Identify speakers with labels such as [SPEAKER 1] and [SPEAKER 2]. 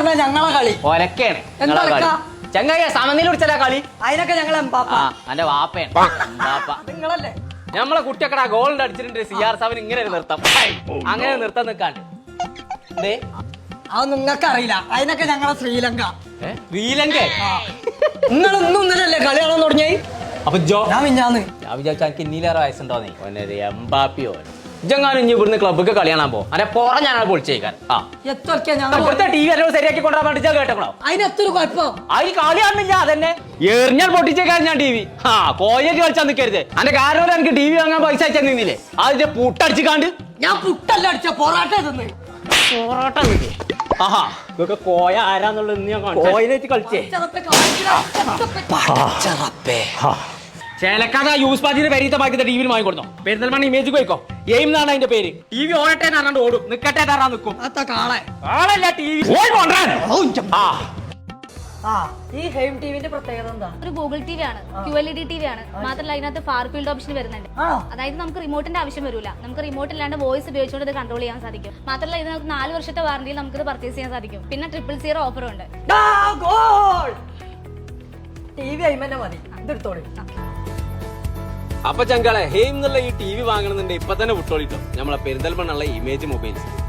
[SPEAKER 1] പറഞ്ഞാ ഞങ്ങളെ കളി
[SPEAKER 2] ഒലക്കാണ്
[SPEAKER 1] എന്താ
[SPEAKER 2] ചങ്ങായി സമനില പിടിച്ചാ കളി.
[SPEAKER 1] അതിനൊക്കെ ഞങ്ങളെ
[SPEAKER 2] എന്റെ വാപ്പയാണ്
[SPEAKER 1] നിങ്ങളല്ലേ
[SPEAKER 2] നമ്മളെ കുട്ടിയൊക്കെ ഗോളിന്റെ അടിച്ചിട്ടുണ്ട്. CR7 ഇങ്ങനെ ഒരു നിർത്താം, അങ്ങനെ നിർത്താൻ നിൽക്കാണ്ട്.
[SPEAKER 1] അത് നിങ്ങൾക്ക് അറിയില്ല. അതിനൊക്കെ ഞങ്ങളെ ശ്രീലങ്ക.
[SPEAKER 2] ശ്രീലങ്ക
[SPEAKER 1] നിങ്ങൾ ഇന്നും ഇന്നലല്ലേ കളി കാണാൻ തുടങ്ങിയായി?
[SPEAKER 2] അപ്പൊ
[SPEAKER 1] ഞാൻ
[SPEAKER 2] വിചാരിച്ചു എനിക്ക് ഇന്നീലേറെ വയസ്സുണ്ടോന്നേ. എംബാപ്പിയോ ഇജെങ്ങാനും ഇനി ഇവിടുന്ന് ക്ലബ്ബൊക്കെ കളി കാണാൻ പോകും. അല്ലെ പുറം ഞാനാ പൊളിച്ചേക്കാൻ. ഇവിടുത്തെ TV എല്ലാം ശരിയാക്കി കൊണ്ടുവരാൻ വേണ്ടി കേട്ടോ.
[SPEAKER 1] അതിനെത്തൊരു കുഴപ്പം.
[SPEAKER 2] അതിൽ കളി കാണുന്നില്ല. അതന്നെ എറിഞ്ഞാൽ പൊട്ടിച്ചേക്കാൻ ഞാൻ TV. കോയേറ്റ് കളിച്ചാൽ നിൽക്കരുത്. അതിന്റെ കാരണം എനിക്ക് TV വാങ്ങാൻ പൈസ അയച്ചാൽ നിന്നില്ലേ? അതിന്റെ പുട്ടടിച്ച് കാണ്ട്
[SPEAKER 1] ഞാൻ പുട്ടല്ല അടിച്ച പൊറാട്ട തിന്ന്.
[SPEAKER 2] പൊറോട്ട ആഹാ ഇതൊക്കെ കോയ ആരാന്നുള്ളത് ഞാൻ കോയിലേക്ക് കളിച്ചേ. ചേലക്കാതെ യൂസ് പാജിന്റെ പേരീത്തെ ബാക്കി TV വാങ്ങിക്കൊടുത്തോ. പെരുന്തൽമണ്ണ ഇമേജ് പോയിക്കോ. എയിം എന്നാണ് അതിന്റെ പേര്. TV ഓടട്ടെ എന്നാണ്ട് ഓടും, നിക്കട്ടെ തറാ നിൽക്കും. കാളല്ല TV.
[SPEAKER 1] ഈ ഹെയിം ടിവിന്റെ പ്രത്യേകത എന്താ?
[SPEAKER 3] ഒരു ഗൂഗിൾ TV ആണ്, QLED TV ആണ്. മാത്രമല്ല അതിനകത്ത് ഫാർ ഫീൽഡ് ഓപ്ഷൻ വരുന്നുണ്ട്. അതായത് നമുക്ക് റിമോട്ടിന്റെ ആവശ്യം വരില്ല. നമുക്ക് റിമോട്ട് ഇല്ലാണ്ട് വോയിസ് ഉപയോഗിച്ചുകൊണ്ട് ഇത് കൺട്രോൾ ചെയ്യാൻ സാധിക്കും. മാത്രമല്ല ഇത് നമുക്ക് 4 വർഷത്തെ വാറന്റിയിൽ നമുക്ക് ഇത് പർച്ചേസ് ചെയ്യാൻ സാധിക്കും. പിന്നെ 000 ഓഫറും ഉണ്ട്.
[SPEAKER 1] TV അയിമന്നെ മതി. ഇതെടുത്തോളി.
[SPEAKER 2] അപ്പൊ ചങ്കളെ ഹെയിം എന്നുള്ള ഈ TV വാങ്ങണമെന്നുണ്ടെങ്കിൽ ഇപ്പൊ തന്നെ വിട്ടോളിട്ടോ. നമ്മളെ പെരിന്തൽമണ്ണുള്ള ഇമേജ് മൊബൈൽസ്.